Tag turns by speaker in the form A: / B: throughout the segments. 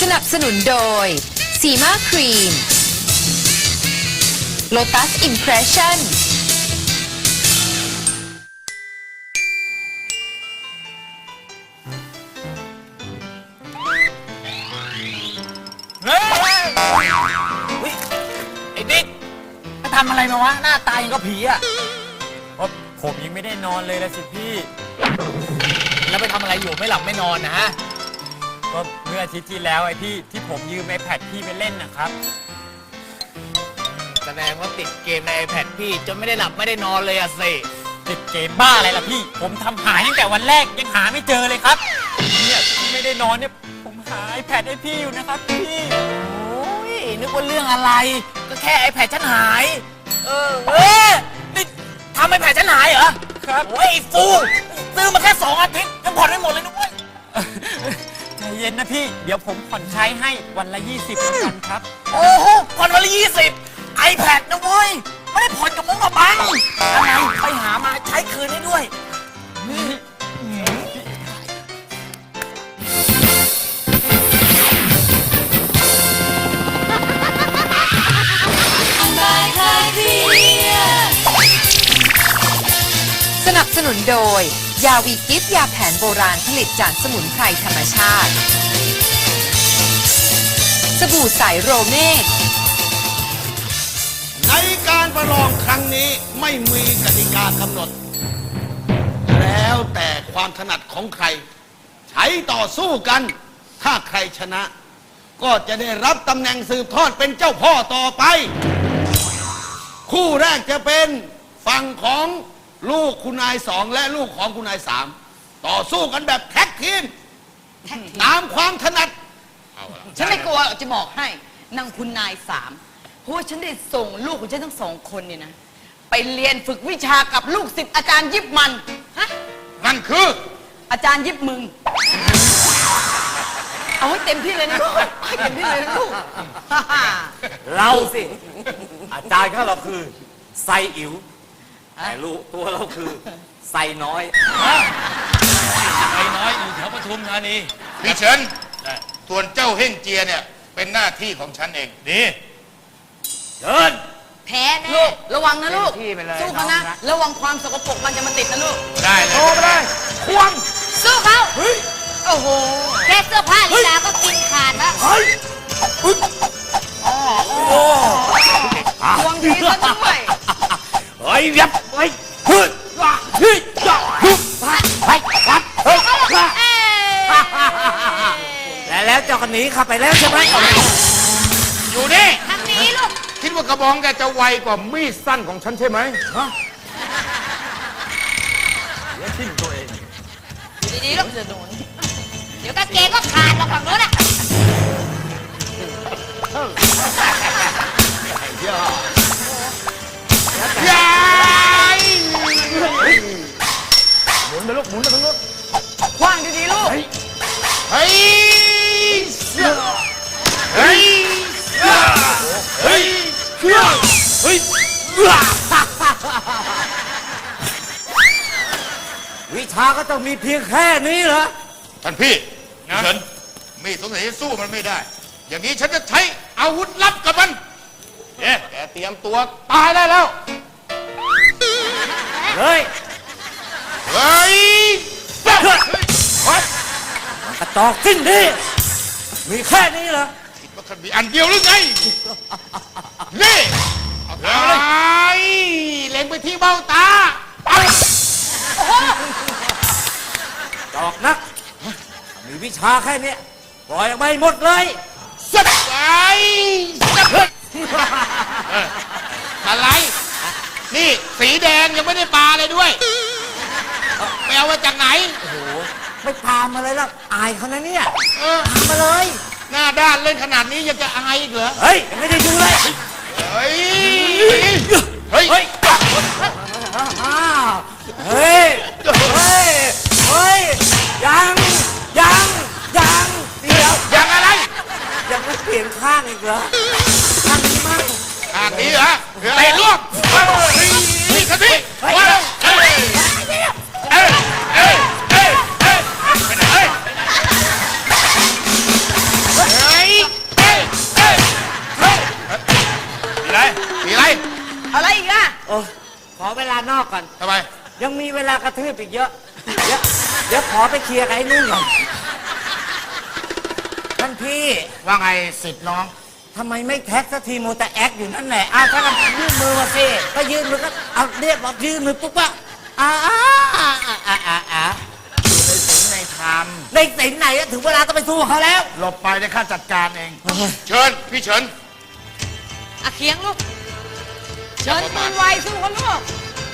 A: นับสนุนโดยซีมาครีม Lotus Impression
B: เฮ้ยไอ้ดิ๊กไปทำอะไรมาวะหน้าตายังก็ผีอ่ะ
C: ผมยังไม่ได้นอนเลยละสิพี่
B: แล้วไปทำอะไรอยู่ไม่หลับไม่นอนนะฮะ
C: ก็เมื่ออาทิตย์ที่แล้วไอ้ที่ผมยืมiPadพี่ไปเล่นนะครับ
B: แสดงว่าติดเกมใน iPad พี่จนไม่ได้หลับไม่ได้นอนเลยอะสิ
C: ติดเกมบ้าอะไรล่ะพี่ผมทำหายตั้งแต่วันแรกยังหาไม่เจอเลยครับเนี่ยไม่ได้นอนเนี่ยผมหาiPadให้พี่อยู่นะครับพี่
B: โอ้ยนึกว่าเรื่องอะไรก็แค่ iPad ฉันหายนี่ทำiPad ฉันหายเหรอ
C: ครับ
B: โอ้ยฟูซื้อมาแค่2 อาทิตย์ยังผ่อนไม่หมดเลยนะเว้ย
C: ใจเย็นนะพี่เดี๋ยวผมผ่อนใช้ให้วันละ20เหมือนกันครับ
B: โอ้โหผ่อนวันละ20 iPad นะเว้ยไม่ได้ผ่อนกับมึงกับบังอะไรไปหามาใช้คืนให้ด้วย
A: สนับสนุนโดยยาวีกิฟยาแผนโบราณผลิตจากสมุนไพรธรรมชาติสบู่ใสโรเมก
D: ในการประลองครั้งนี้ไม่มีกติกากำหนดแล้วแต่ความถนัดของใครใช้ต่อสู้กันถ้าใครชนะก็จะได้รับตำแหน่งสืบทอดเป็นเจ้าพ่อต่อไปคู่แรกจะเป็นฝั่งของลูกคุณนาย2และลูกของคุณนาย3ต่อสู้กันแบบแท็กทีมตามความถนัด
E: ฉันไม่กลัวจะบอกให้นางคุณนาย3เพราะว่าฉันได้ส่งลูกของฉันทั้ง2 คนเนี่ยนะไปเรียนฝึกวิชากับลูกศิษย์อาจารย์ยิบมันฮะ
D: นั่นคือ
E: อาจารย์ยิบมึงเอาให้เต็มที่เลยนะลูกให้เต็มที่เลยนะลูก
F: เราสิอาจารย์ของเราคือไซอิ๋วแต่ลูกตัวเราคือไซน้อย
B: ไซน้อยอยู่แถวปทุมธานี
G: พี่เฉินส่วนเจ้าเฮ่งเจียเนี่ยเป็นหน้าที่ของฉันเอง
B: ดี
F: เดิน
E: แพ้แน่ลูกระวังนะลูกสู้เขานะระวังความสกปรกมันจะมาติดนะลูก
B: ได้เลย
D: โตไปเลยควง
E: สู้เขาโอ้โหแค่เสื้อผ้าลีลาก็กินขาดแล้วควงทีซะด้วย
F: เฮ้ยยับเฮ้ยฮึดเฮ้ยยับฮึดไปวัดเฮ้ยแล้วเจ้าคนนี้ขับไปแล้วใช่ไหม
G: อยู่นี่
E: ทางนี้ลูก
G: คิดว่ากระบองแกจะไวกว่ามีดสั้นของฉันใช่ไหมฮะ
F: เดี๋ยวทิ้งตัวเอง
E: ดีๆลูกจะโดนเดี๋ยวกางเกงก็ขาดหรอกฝั่งโน้นอ่ะ
G: ยาย
D: หมุนไปลูกหมุนไปทั้งนู้น
E: คว้างดีๆลูก
G: เฮ้ยเฮ้ยเฮ้ยเฮ้ย
F: วิชาก็ต้องมีเพียงแค่นี้เหรอ
G: ท่านพี่เฉินมีสงสัยสู้มันไม่ได้อย่างนี้ฉันจะใช้อาวุธลับกับมันแกเตรียมตัวตายได้แล้ว
F: เฮ้ย
G: เฮ้ย
F: กระตอกสิ้นดีมีแค่นี้เหรอ
G: คิดว่าคันมีอันเดียวหรือไงนี่เอาตาเลยเล็งไปที่เบ้าตา
F: ดอกนักมีวิชาแค่นี้ปล่อยออกไปหมดเลย
G: สับไปอะไรนี่สีแดงยังไม่ได้ปลาเลยด้วยไปเอามาจากไหน
F: โอ้โหไม่พามาเลยล่ะอายเขานะเนี่ยพามาเลย
G: หน้าด้านเล่นขนาดนี้ยังจะอายอีกเหรอ
F: เฮ้ยไม่ได้ดูเลย
G: เฮ้ยเฮ้ยเฮ้ย
F: เฮ้ยเฮ้ยยังเดี๋ยว
G: ยังอะไร
F: ยังไม่เปลี่ยนข้างอีกเหรอข้างนี้มั่ง
G: ข้างนี้เหรอเตะลวกนี่ทันทีว้าวไปไหน
F: ระทืบอีกเยอะ เดี๋ยวขอไปเคลียร์กับไอ้นุ่นก่อนท่านพี่
B: ว่าไงสิทธิ์น้อง
F: ทำไมไม่แท็กสักทีมูแต่แอคอยู่นั่นแหละอ้าวถ้ากันยื่นมือมาสิก็ยื่นมือก็เอาเรียบร้อยยื่นมือปุ๊บว่า
B: ในศีลในธรรม
F: ในสินไหนอะถึงเวลาต้องไปสู้เขาแล้ว
B: หลบไปได้ข้าจัดการเอง
G: เชิญ พี่เฉิน
E: อะเคียงลูก เชิญปืนไวสู้กันลูก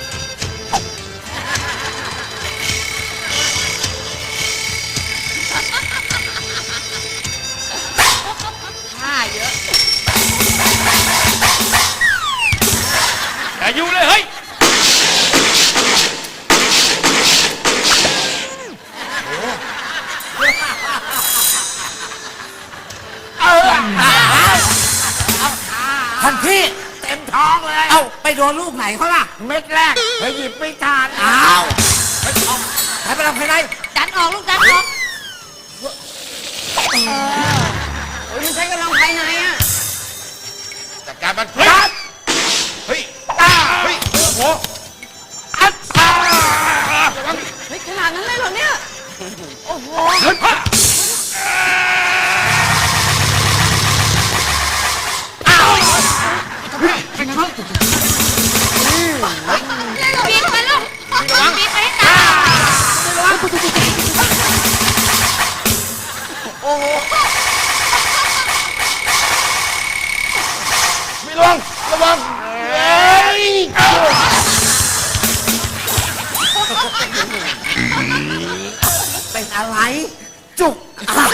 E: ท่าเยอะ
G: อย่ายุ่งเลยเฮ้ย
F: ท่านพี่
B: เต็มท้องเลย
F: เอ้าไปโดนลูกไหนเขาล่ะ
B: เม็ดแรกเฮ้ยหยิบไม่ทัน
F: อ้าวใครไปทำใครได้
E: ดันออกลูกดันออกโอ้ยมันใช้กำลังภายในอ่ะ
G: จัดการมัน เฮ้ย เฮ้ยเฮ้ย โอ้โห
E: เฮ้ยขนาดนั้นเลยเหรอเนี่ย โอ้โห ปีนไปลูกปีนไปให้ตาย
G: ไม่ระวัง ระวัง เฮ้ย
F: เป็นอะไร จุก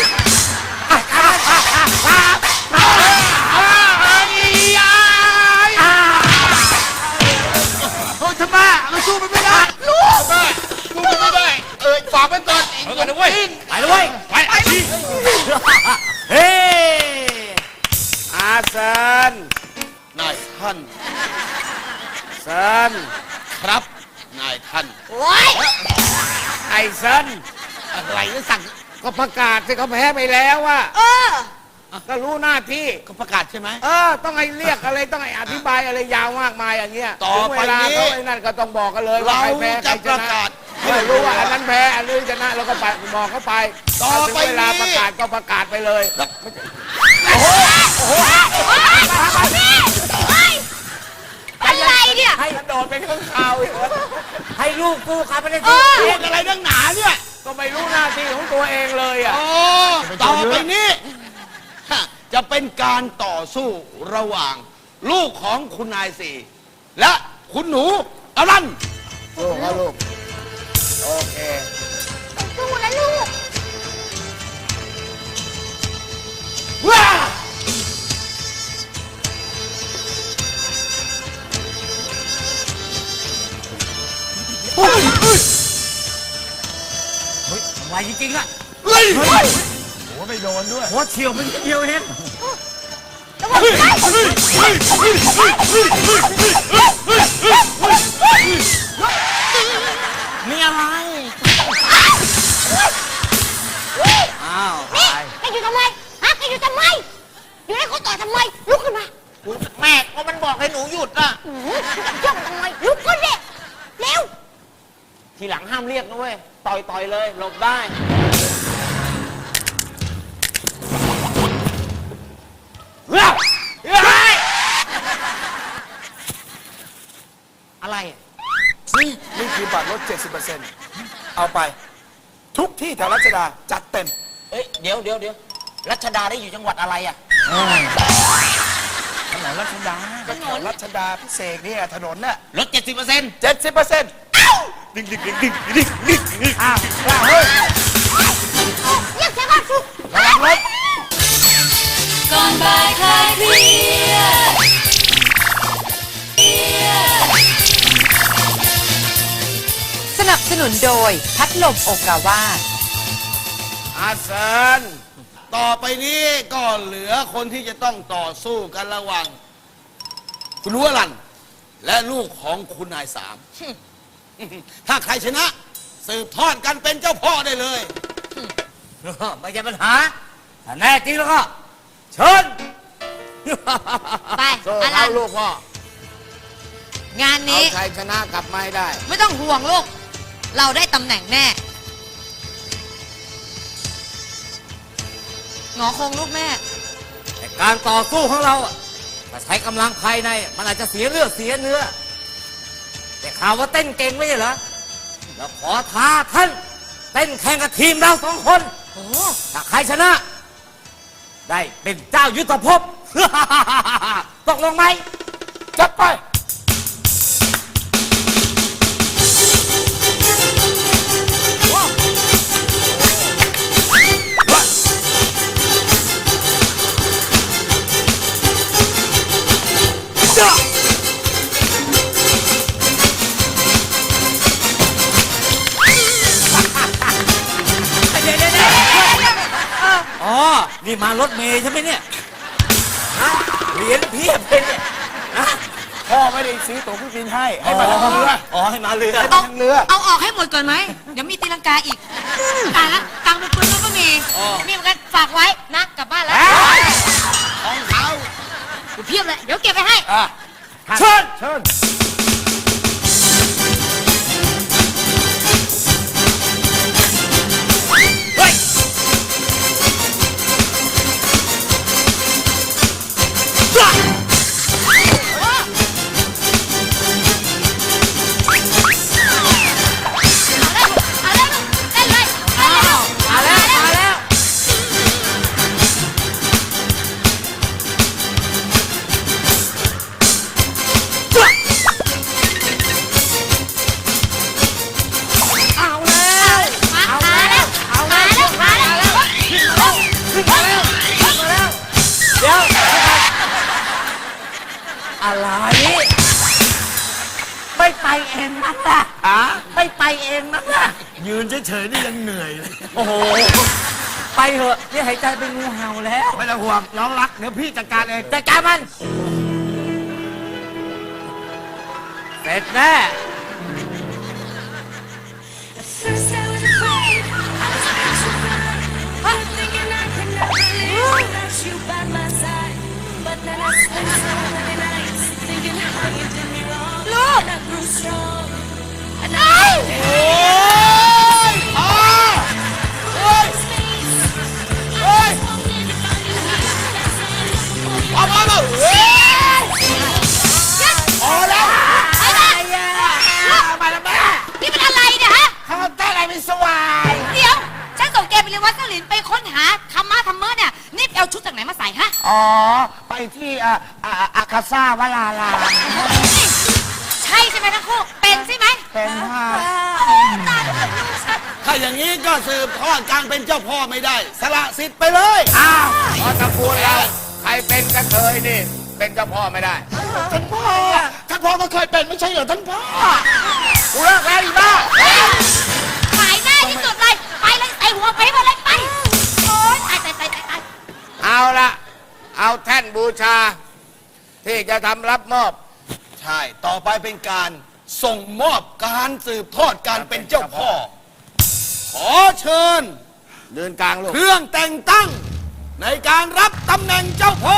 B: โอ้ยทำไมเราสู้มันไม่ได้
G: ลูกแม่ลูกไม่ได้ ฝากไว้ก่อนเอาก่อนนะเว้ย
F: ไปเลยเว้ย
G: ไปสิ
F: เฮ้
D: อาเซินนายท่านเซินครับ นายท่าน
E: โอ้ย
B: ไอ้เซินอะไรจะสั่งก็ประกาศสิเขาแพ้ไปแล้วอะ
E: เออ
B: ก็รู้หน้าที่
D: ก็ประกาศใช่ไหม
B: ต้องให้เรียกอะไรต้องให้อธิบายอะไรยาวมากมายอย่างเงี้ย
D: ต่อ
B: ถึง
D: ไป
B: เวลา
D: นี้
B: เขาไอ้นั่นก็ต้องบอกกันเลยว่า
D: เรา
B: ใครแพ้ใคร
D: จะ
B: ช
D: ประ
B: นะ
D: กาศ
B: ไม่รู้ว่าอันนั้นแพ้อันนี้ชนะเราก็ไปบอกเขาไป
D: ต่อ
B: ถ้าถึง
D: ไป
B: เวลา
D: นี้
B: ประกาศก็ประกาศไปเลย
E: อะไรเนี่ย
B: ให้กระโดดไปข้างข่าวอีก
F: ให้ลูกกูครับไม่ได้สู้
D: พูดอะไรนักหนาเนี่ย
B: ก็ไม่รู้หน้าที่ของตัวเองเลยอ่ะ
D: โอ้ต่อไปนี้ฮะจะเป็นการต่อสู้ระหว่าง ลูกของคุณนายสี่และคุณหนูอรัน
B: ลูกลูกโอเค
E: สู้นะลูก
D: ว้า
F: ไวจริงๆอะ
D: เฮ้ย
B: หัวไม่โดนด้วย
F: หัวเฉียวมันเดียวเอง
B: มีอะไร
F: อ้าว
E: นี่แกอยู่ทำไม ฮะแกอยู่ทำไม อยู่ให้เขาต่อทำไม ลุกขึ้นมา
B: แม่ก็มันบอกให้หนูหยุดอ่ะ
E: ย่องทำไม ลุกขึ้นเร็วเร็ว
B: ทีหลังห้ามเรียกนะเว้ย ต่อยเลยหลบได้ อะไรอะ
H: นี่คือบัตรลด 70%เอาไป ทุกที่แถวรัชดา จัดเต็ม
B: เอ้ยเดี๋ยวรัชดาได้อยู่จังหวัดอะไรอ่ะ
H: ถนนรัชดาก็แถวรัชดาพิเศษเนี่ยถนนน่ะ
B: ลด 70%
H: 70%อ้าวเฮ้ย
E: เรียกเสียงก่อนสุก
H: ระวังรถ
E: ก่อนบ่ายคลายเครียด
A: สนับสนุนโดยพัดลมโอกาวา
D: อาเซินต่อไปนี้ก็เหลือคนที่จะต้องต่อสู้กันระหว่าง คุณหนูอรันและลูกของคุณนายสาม ถ้าใครชนะ สืบทอดกันเป็นเจ้าพ่อได้เลย
F: ไม่ใช่ปัญหาถ้าแน่จริงแล้วก็ เชิญ
E: ไป
B: โซ่
E: อลั
B: เท้าน ลูกพ่อ
E: งาน
B: เอา
E: นี้
B: ชัยชนะกลับมาให้ได้
E: ไม่ต้องห่วงลูก
I: เราได้ตำแหน่งแน่หงอคงลูกแม่
F: แต่การต่อสู้ของเราอะถ้าใช้กำลังภายในมันอาจจะเสียเลือดเสียเนื้อแต่ข่าวว่าเต้นเก่งไม่ใช่เหรอแล้วขอท้าท่านเต้นแข่งกับทีมเราสองคนถ้าใครชนะ ได้เป็นเจ้ายุทธภพ ตกลงไหม
H: จัดไป
F: อ๋อ นี่มารถเมย์ใช่ไหมเนี่ยฮะเหรียญเพียบเลยเนี่ยฮะ
H: พ่อไม่ได้ซื้อตั๋วเครื่องบินให้มาทางเรือ
F: อ๋อ ให้มาเรือ
H: ให้มาทางเรือ
I: เอาออกให้หมดก่อนไหม เดี๋ยวมีตีลังกาอีกตายละตังค์เป็นปืนก็มี มีเหมือนกันฝากไว้นะกลับบ้านแล้ว
D: ของเขา
I: เพียบเลย เดี๋ยวเก็บไปให้
H: เชิญ เชิญ
I: เอาเลยเต้นเลยมาแล้ว
F: เดี๋ยวอะไร ไม่ไปเองมั้งล่ะไม่ไปเองมั้งล่ะ
H: ยืนเฉยๆนี่ยังเหนื่อยเลย
F: โอ้โห ไปเถอะนี่หายใจเป็นงูเห่าแล้ว
H: ไม่ต้องห่วง น้องรัก เดี๋ยวพี่จัดการเอง
F: จัดการมัน เสร็จแน่
J: First I was afraid, I was petrified, thinking I could never live without you by my side. But then I spent so many nights thinking how you did me wrong. And I grew strong. And I
I: นี่มันอะไรเนี่ยฮะ
H: ข้าวต้อะไรไม่สวาย
I: เดี๋ยว ฉันส่งแกไปเรียนวัดเสลินไปค้นหาธรรมะธรรมะเนี่ย นี่ไปเอาชุดจากไหนมาใส่ฮะ
H: อ๋อ ไปที่อาคาซ่าวลาลา
I: ใช่ใช่ไหมทั้งคู่ เป็นใช่ไหม
H: เป็นผ้า
I: ตายแล้วลูกฉัน
D: ถ้าอย่างนี้ก็สืบทอดการเป็นเจ้าพ่อไม่ได้ สละสิทธิ์ไปเลย
H: อ้าว
G: เพราะตระกูลเราใครเป็นกระเทยนี่ เป็นเจ้าพ่อไม่ได้
H: ท่านพ่อก็เคยเป็นไม่ใช่เหรอท่านพ่อ
G: กูเลิกแล้วอีบ้า
I: หมายหน้าที่สุดเลย ไปเลยใส่หัวไปหมดเลยไป โอ๊ยตาย
G: เอาละเอาแท่นบูชา ที่จะทำรับมอบ
D: ใช่ ต่อไปเป็นการส่งมอบการสืบทอดการเป็นเจ้าพ่อ ขอเชิญ
G: เดินกลางลูก
D: เครื่องแต่งตั้ง ในการรับตำแหน่งเจ้าพ่อ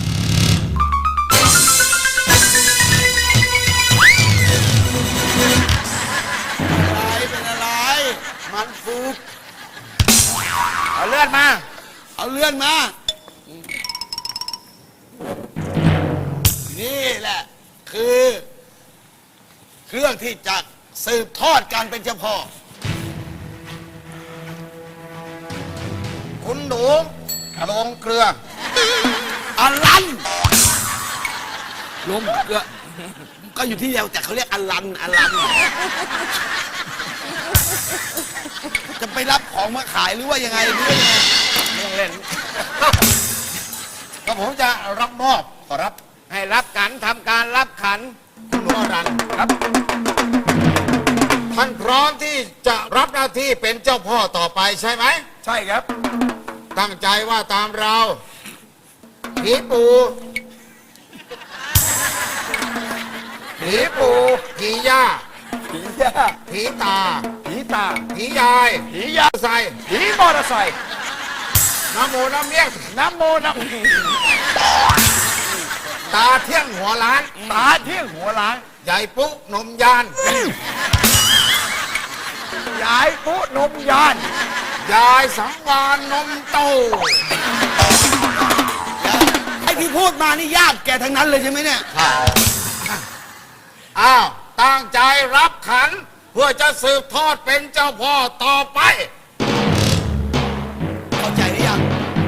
D: อะไรเป็นอะไร มันฝึก
G: เอาเลื่อนมา
D: เอาเลื่อนมา นี่แหละ คือ เครื่องที่จะสืบทอดการเป็นเจ้าพ่อ
G: คุณหนูลงเกลือ
D: อลันลมเกลือก็อยู่ที่เดียวแต่เขาเรียกอลัน จะไปรับของมาขายหรือว่ายังไงหรือว่ายังไง
G: ไม่ต้องเล่น ก็ผมจะรับมอบขอรับ ให้รับกันทำการรับขันคุณหนูอรันครับ ท่านพร้อมที่จะรับหน้าที่เป็นเจ้าพ่อต่อไปใช่ไหม
H: ใช่ครับ
G: ตั้งใจว่าตามเราผีปูผีย่า
H: ผีย่า
G: ผีตา
H: ผีตา
G: ผียาย
H: ผียา
G: ใส่
H: ผีมอเตอร์ไซค์
G: น้ำโมน้ำเลี้ยง
H: น้ำโมน้ำ
G: ตาเที่ยงหัวล้าน
H: ตาเที่ยงหัวล้าน
G: ใหญ่ปุ๊นมยาน
H: ยายปุ๊นมยาน
G: ยายสังวานนมโต
D: ไอ้ที่พูดมานี่ญาติแกทั้งนั้นเลยใช่ไหมเนี่ย
G: อ้าวตั้งใจรับขัน เพื่อจะสืบทอดเป็นเจ้าพ่อต่อไป
D: เข้าใจหรือยัง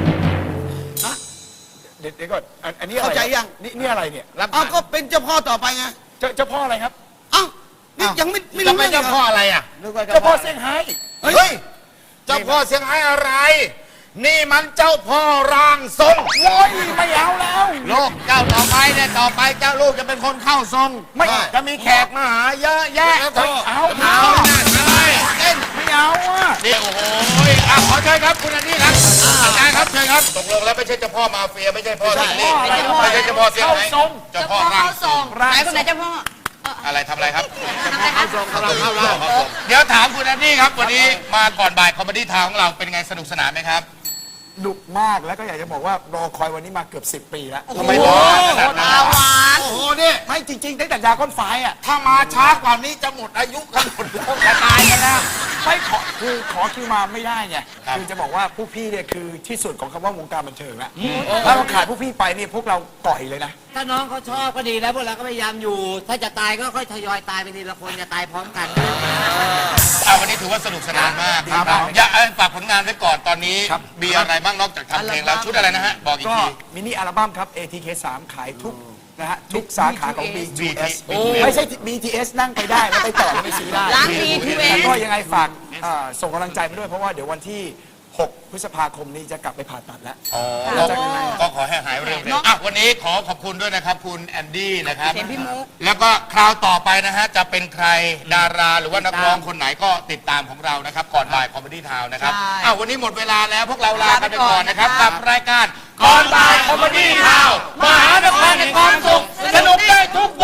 H: เดี๋ยวก่อนอันนี้อะไร
D: เข้าใจยัง
H: นี่อะไรเนี่ย
D: เอ้าก็เป็นเจ้าพ่อต่อไปไง
H: เจ้าพ่ออะไรครับ
D: เอ้านี่ยังไม่
G: จะ
D: รู้
G: เป็น
D: เรื่อง
G: เจ้าพ่ออะไรอ่ะ
H: เจ้าพ่อเซี่ยงไฮ้
D: เฮ้ย
G: เฮ้ย เจ้าพ่อเสียงไห้อะไร นี่มันเจ้าพ่อร่างทรง
H: โว้ยไม่เอาแล้ว
G: ลูกเจ้าต่อไปเนี่ยต่อไปเจ้าลูกจะเป็นคนเข้าทรง
H: ไม่
G: จะมีแขกมาหาเยอะแยะ
H: เอา
G: อะไรเต้น
H: ไม่เอาอ่ะ
G: นี่โอ้โหขอเชิญครับคุณอันนี้ครับอาจารย์ครับเชิญครับตกลงแล้วไม่ใช่เจ้าพ่อมาเฟียไม่ใช่พ่อซิงลี่ไม่ใช่เจ้าพ่อเสียงไห้เจ้าพ่อร่างทรง
E: ไหนคนไหนเจ้าพ่อ
G: อะไรทำอะไรครับ
E: เข้าทรงเข้าทรง
G: เดี๋ยวถามคุณอันนี้ครับวันนี้มาก่อนบ่ายคอมเมดี้ทาวของเราเป็นไงสนุกสนานไหมครับ
H: ดุมากแล้วก็อยากจะบอกว่ารอคอยวันนี้มาเกือบ10 ปีแล้ว
G: ทำไมรอขนาดนั้น
D: โอ้โหนี่
H: ไม่จริงๆตั้งแต่ยาก้อนไฟอ่ะ
G: ถ้ามาช้ากว่านี้จะหมดอายุกันหมดแล้วจะตายกันแล้ว
H: ไม่ขอคือขอคิวมาไม่ได้ไง
G: ครับ
H: คือจะบอกว่าพวกพี่เนี่ยคือที่สุดของคำว่าวงการบันเทิงแล้วถ้าเราขาดพวกพี่ไปเนี่ยพวกเราก่อยเลยนะ
F: ถ้าน้องเขาชอบก็ดีแล้วพวกเราก็พยายามอยู่ ถ้าจะตายก็ค่อยทยอยตายไปทีละคนอย่าตายพร้อมกัน
G: วันนี้ถือว่าสนุกสนานมากครับอย่าฝากผลงานไว้ก่อนตอนนี้
H: ครับ
G: มีอะไรบ้างนอกจากทำเพลงแล้วชุดอะไรนะฮะบอกอีก
H: ก็
G: ที
H: มินิอัลบั้มครับ ATK 3 ขายทุกนะฮะทุกสาขาของ BTS
G: โอ้
H: ไม่ใช่ BTS นั่งไปได้แล้วไปต่อแล้วไปซื้อได้
E: ร้าน BTS
H: แล้วก็ยังไงฝากส่งกำลังใจมาด้วยเพราะว่าเดี๋ยววันที่ 6 พฤษภาคมนี้จะกลับไปผ่าตัดแล้ว
G: ก็ขอให้หายเร็วๆอ่ะวันนี้ขอบคุณด้วยนะครับ คุณแอนดี้นะครับ
E: เห็นพี่มุก
G: แล้วก็คราวต่อไปนะฮะจะเป็นใครดาราหรือว่านักร้องคนไหนก็ติดตามของเรานะครับ ก่อนบ่ายคอมเมดี้ทาวนะครับวันนี้หมดเวลาแล้วพวกเราลากันไปก่อนนะครับกับรายการก่อนบ่ายคอมเมดี้ทาวมหานครแห่งความสุขสนุกได้ทุก